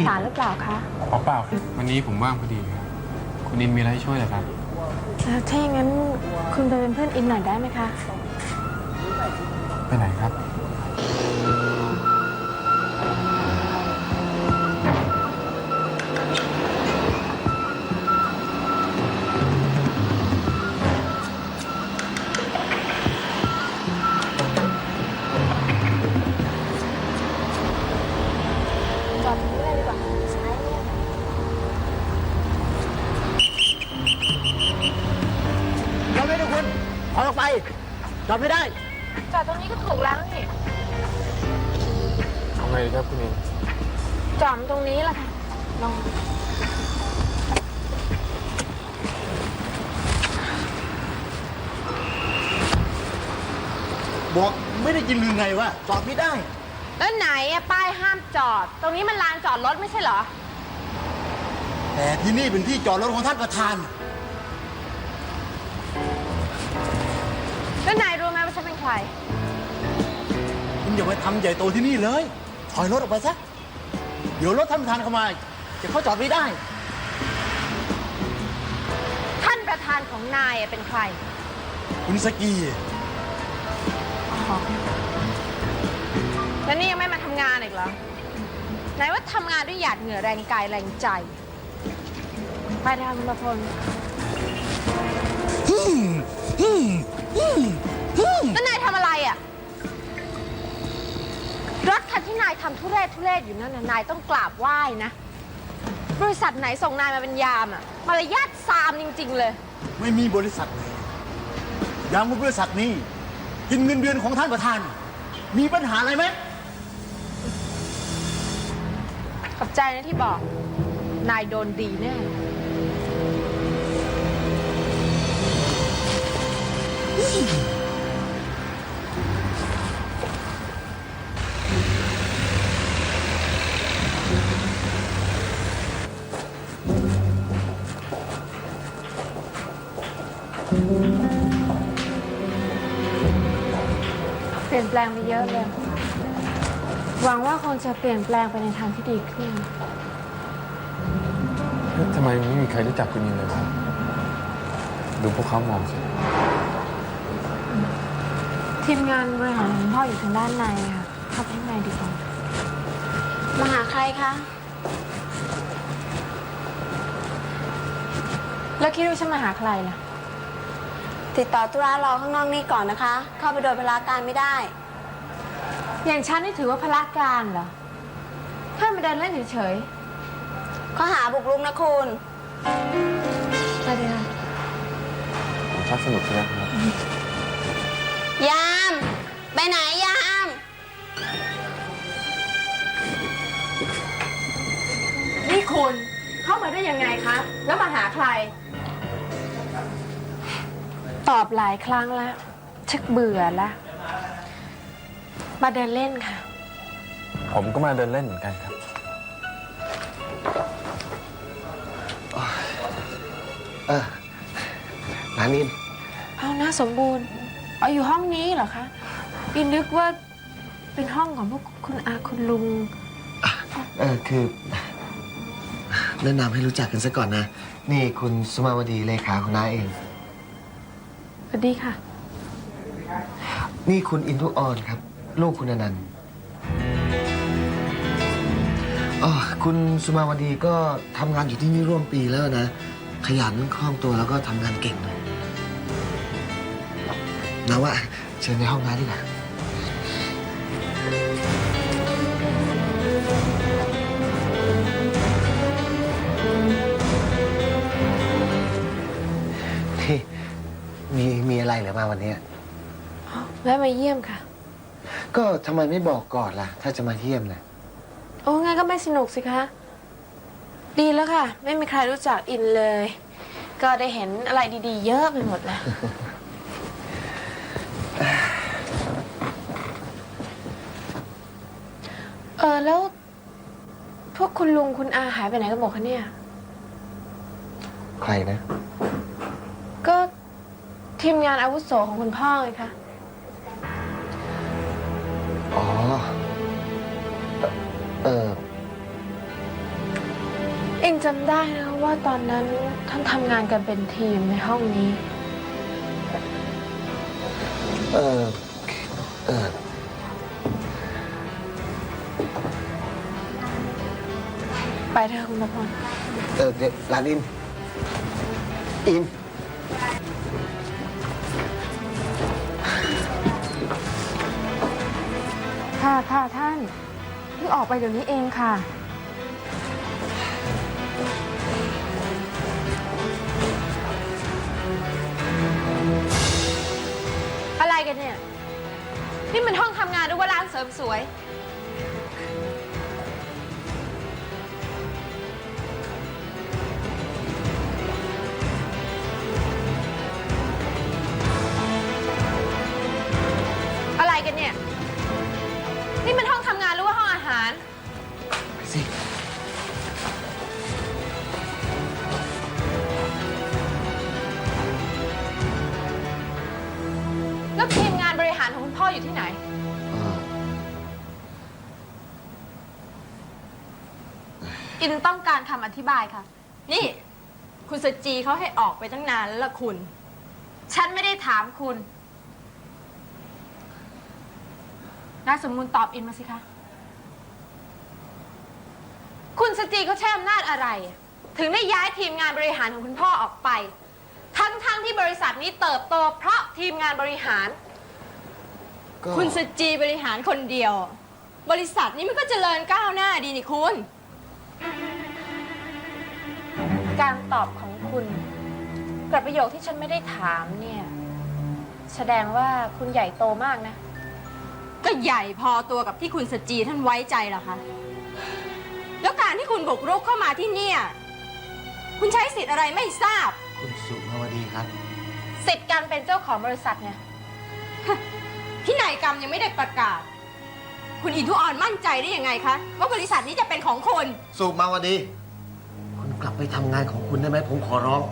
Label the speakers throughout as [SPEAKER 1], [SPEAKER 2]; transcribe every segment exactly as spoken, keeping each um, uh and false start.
[SPEAKER 1] สารหรือเปล่าคะ
[SPEAKER 2] เปล่าเปล่าครับวันนี้ผมว่างพอดีครับคุณอินมีอะไรให้ช่วยเหรอครับ
[SPEAKER 1] ถ้าอย่างนั้นคุณไปเป็นเพื่อนอินหน่อยได้ไหมคะ
[SPEAKER 2] ไปไหนครับ
[SPEAKER 1] จอดตรงนี้เลยดีกว่าซ้ายเนี่ย
[SPEAKER 3] จอดไม่ได้คุณถอยออกไปจอดไม่ได้
[SPEAKER 1] จอดตรงนี้ก็ถูกแล้วนี่
[SPEAKER 2] เอาไงดีครับคุณอิน
[SPEAKER 1] จอดตรงนี้แหละค่ะลอง
[SPEAKER 3] บอกไม่ได้ยินหรือไงวะจอดไม่ได้
[SPEAKER 1] แล้วไหนอะป้ายห้ามจอดตรงนี้มันลานจอดรถไม่ใช่เหรอ
[SPEAKER 3] แต่ที่นี่เป็นที่จอดรถของท่านประธาน
[SPEAKER 1] แล้วนายรู้ไหมว่าฉันเป็นใคร
[SPEAKER 3] คุณอย่าไปทำใหญ่โตที่นี่เลยถอยรถออกไปซะเดี๋ยวรถท่านประธานเข้ามาจะเข้าจอดไม่ได้
[SPEAKER 1] ท่านประธานของนายเป็นใคร
[SPEAKER 3] คุณสกี
[SPEAKER 1] แล้วนี่ยังไม่มาทำงานอีกเหรอไหนว่าทำงานด้วยหยาดเหงื่อแรงกายแรงใจไปทางคุณประพลแล้วนายทำอะไรอ่ะรถคันที่นายทำทุเรศทุเรศอยู่นั่นน่ะนายต้องกราบไหว้นะบริษัทไหนส่งนายมาเป็นยามอ่ะมารยาทซามจริงๆเลย
[SPEAKER 3] ไม่มีบริษัทไหนยามบริษัทนี้กินเงินเดือนของท่านประธานมีปัญหาอะไรไหม
[SPEAKER 1] ขอบใจนะที่บอกนายโดนดีแน่เปลี่ยนแปลงไปเยอะเลยหวังว่าคงจะเปลี่ยนแปลงไปในทางที่ดีขึ้น
[SPEAKER 2] ทำไมไม่มีใครรู้จักคุณอินเลยครับดูพวกเขามองสิ
[SPEAKER 1] ทีมงานบริหารของพ่ออยู่ทางด้านในค่ะเข้าไปข้างในดีกว่ามาหาใครคะแล้วคิดว่าฉันมาหาใครล่ะ
[SPEAKER 4] ติดต่อธุระรอข้างนอกนี่ก่อนนะคะ เข้าไปโดยพลาการไม่ได้
[SPEAKER 1] อย่างฉันนี่ถือว่าพลาการเหรอแค่มาเดินเล่นเฉย
[SPEAKER 4] ข้อหาบุกรุกนะคุณ
[SPEAKER 1] ไปเลยค่ะ
[SPEAKER 2] ผมชักสนุกใช่ไหมครับ
[SPEAKER 4] ยามไปไหนยาม
[SPEAKER 1] นี่คุณเข้ามาได้ยังไงคะแล้วมาหาใครตอบหลายครั้งแล้วชักเบื่อแล้วมาเดินเล่นค่ะ
[SPEAKER 2] ผมก็มาเดินเล่นเหมือนกันครับ
[SPEAKER 3] เออร้านนี้
[SPEAKER 1] เอาหน้าสมบูรณ์เอาอยู่ห้องนี้เหรอคะอินนึกว่าเป็นห้องของพวกคุณอาคุณลุง
[SPEAKER 5] เออคือแนะนำให้รู้จักกันซะก่อนนะนี่คุณสมาวดีเลขาคุณน้าเอง
[SPEAKER 1] สวัสดีค่ะ
[SPEAKER 5] นี่คุณอินทุออนครับลูกคุณอนันต์อ๋อคุณสุมาวดีก็ทำงานอยู่ที่นี่ร่วมปีแล้วนะขยันคล่องตัวแล้วก็ทำงานเก่งเลยนะว่าเชิญในห้องน้ำดีกว่าที่มีมีอะไรเหรือมาวันนี้
[SPEAKER 1] แวะมาเยี่ยมค่ะ
[SPEAKER 5] ก็ทำไมไม่บอกก่อนล่ะถ้าจะมาเยี่ยมนะ
[SPEAKER 1] โอ้งั้นก็ไม่สนุกสิคะดีแล้วค่ะไม่มีใครรู้จักอินเลยก็ได้เห็นอะไรดีๆเยอะไปหมดเลยเออแล้วพวกคุณลุงคุณอาหายไปไหนกันหมดคะเนี่ย
[SPEAKER 5] ใครนะ
[SPEAKER 1] ก็ทีมงานอาวุโสของคุณพ่อไงคะ
[SPEAKER 5] อ๋อเออ
[SPEAKER 1] อินจำได้นะว่าตอนนั้นท่านทำงานกันเป็นทีมในห้องนี้
[SPEAKER 5] เออเออ
[SPEAKER 1] ไปเถอะคุณประพล
[SPEAKER 5] เออเดี๋ยวหลานอิน อิน
[SPEAKER 1] ค่ะค่ะท่านเพิ่งออกไปเดี๋ยวนี้เองค่ะ อะไรกันเนี่ย นี่มันห้องทำงานหรือว่าร้านเสริมสวย อะไรกันเนี่ย นี่มันห้องทำงานหรือว่าห้องอาหาร
[SPEAKER 5] ไปสิ
[SPEAKER 1] แล้วทีมงานบริหารของคุณพ่ออยู่ที่ไหน
[SPEAKER 5] เออ
[SPEAKER 1] อินต้องการคำอธิบายค่ะ นี่ คุณสจีเขาให้ออกไปตั้งนานแล้วล่ะคุณ ฉันไม่ได้ถามคุณนายสมมูลตอบอินมาสิคะ คุณสจีเขาใช้อำนาจอะไร ถึงได้ย้ายทีมงานบริหารของคุณพ่อออกไป ทั้งๆทที่บริษัทนี้เติบโตเพราะทีมงานบริหาร
[SPEAKER 5] ก็
[SPEAKER 6] คุณสจีบริหารคนเดียว บริษัทนี้มันก็เจริญก้าวหน้าดีนี่คุณ
[SPEAKER 1] การตอบของคุณกับประโยคที่ฉันไม่ได้ถามเนี่ย แสดงว่าคุณใหญ่โตมากนะ
[SPEAKER 6] ก็ใหญ่พอตัวกับที่คุณสจีท่านไว้ใจเหรอคะ แล้วการที่คุณบุกรุกเข้ามาที่เนี่ย คุณใช้สิทธิ์อะไรไม่ทราบ
[SPEAKER 5] คุณสุภาวดีครับ
[SPEAKER 1] สิทธิ์การเป็นเจ้าของบริษัทเนี่ย
[SPEAKER 6] พินัยกรรมยังไม่ได้ประกาศ คุณอินทุออนมั่นใจได้ยังไงคะว่าบริษัทนี้จะเป็นของคุณ
[SPEAKER 5] สุภาวดี คุณกลับไปทำงานของคุณได้ไหมผมขอร้อง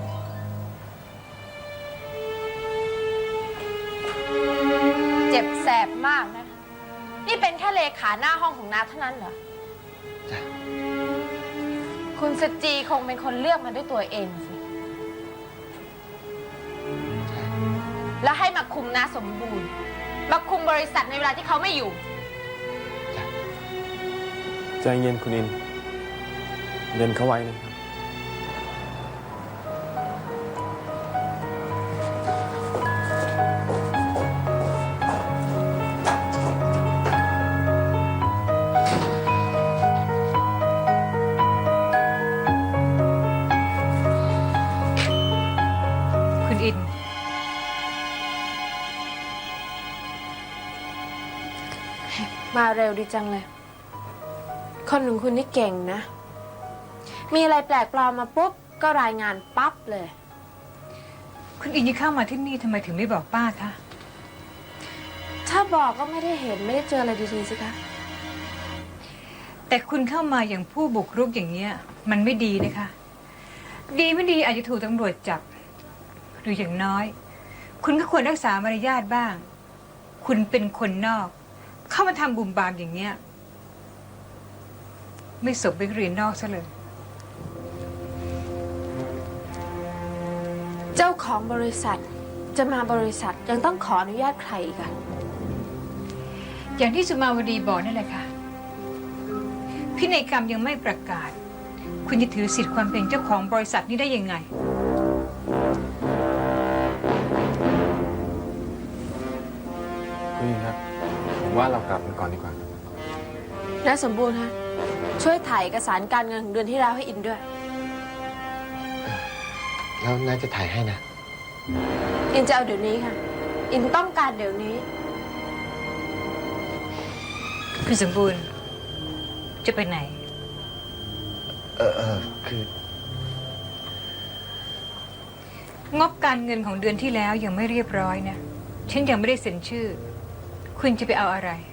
[SPEAKER 1] เจ็บแสบมากนะ นี่เป็นแค่เลขาหน้าห้องของนาเท่านั้นเหรอ
[SPEAKER 5] จ้ะ
[SPEAKER 1] คุณสจีคงเป็นคนเลือกมาด้วยตัวเองสิ แล้วให้มาคุมนาสมบูรณ์ มาคุมบริษัทในเวลาที่เขาไม่อยู่
[SPEAKER 2] ใจเย็นคุณอินเดินเข้าไว้นะครับ
[SPEAKER 6] คุณอิน
[SPEAKER 1] มาเร็วดีจังเลย คนของคุณนี่เก่งนะ มีอะไรแปลกปลอมมาปุ๊บ ก็รายงานปั๊บเลย
[SPEAKER 7] คุณอินที่เข้ามาที่นี่ทำไมถึงไม่บอกป้าคะ
[SPEAKER 1] ถ้าบอกก็ไม่ได้เห็นไม่ได้เจออะไรดีๆสิคะ
[SPEAKER 7] แต่คุณเข้ามาอย่างผู้บุกรุกอย่างเนี้ยมันไม่ดีนะคะ ดีไม่ดีอาจจะถูกตำรวจจับ หรืออย่างน้อย คุณก็ควรรักษามารยาทบ้าง คุณเป็นคนนอก เข้ามาทำบุมบามอย่างเนี้ยไม่สมเป็นเรียนนอกซะเลย
[SPEAKER 1] เจ้าของบริษัทจะมาบริษัทยังต้องขออนุญาตใครอีกอะ
[SPEAKER 7] อย่างที่สุมาวดีบอกนั่นแหละค่ะ พินัยกรรมยังไม่ประกาศ คุณจะถือสิทธิ์ความเป็นเจ้าของบริษัทนี้ได้ยังไง
[SPEAKER 2] คุณอินครับ ผมว่าเรากลับกันก่อนดีกว่าครับ
[SPEAKER 1] นายสมบูรณ์ฮะ ช่วยถ่ายเอกสารการเงินของเดือนที่แล้วให้อินด้วย
[SPEAKER 5] แล้วน่าจะถ่ายให้นะ
[SPEAKER 1] อินจะเอาเดี๋ยวนี้ค่ะ อินต้องการเดี๋ยวนี้
[SPEAKER 7] คุณสมบูรณ์จะไปไหน
[SPEAKER 5] เออเออคือ
[SPEAKER 7] งบการเงินของเดือนที่แล้วยังไม่เรียบร้อยนะ ฉันยังไม่ได้เซ็นชื่อ คุณจะไปเอาอะไร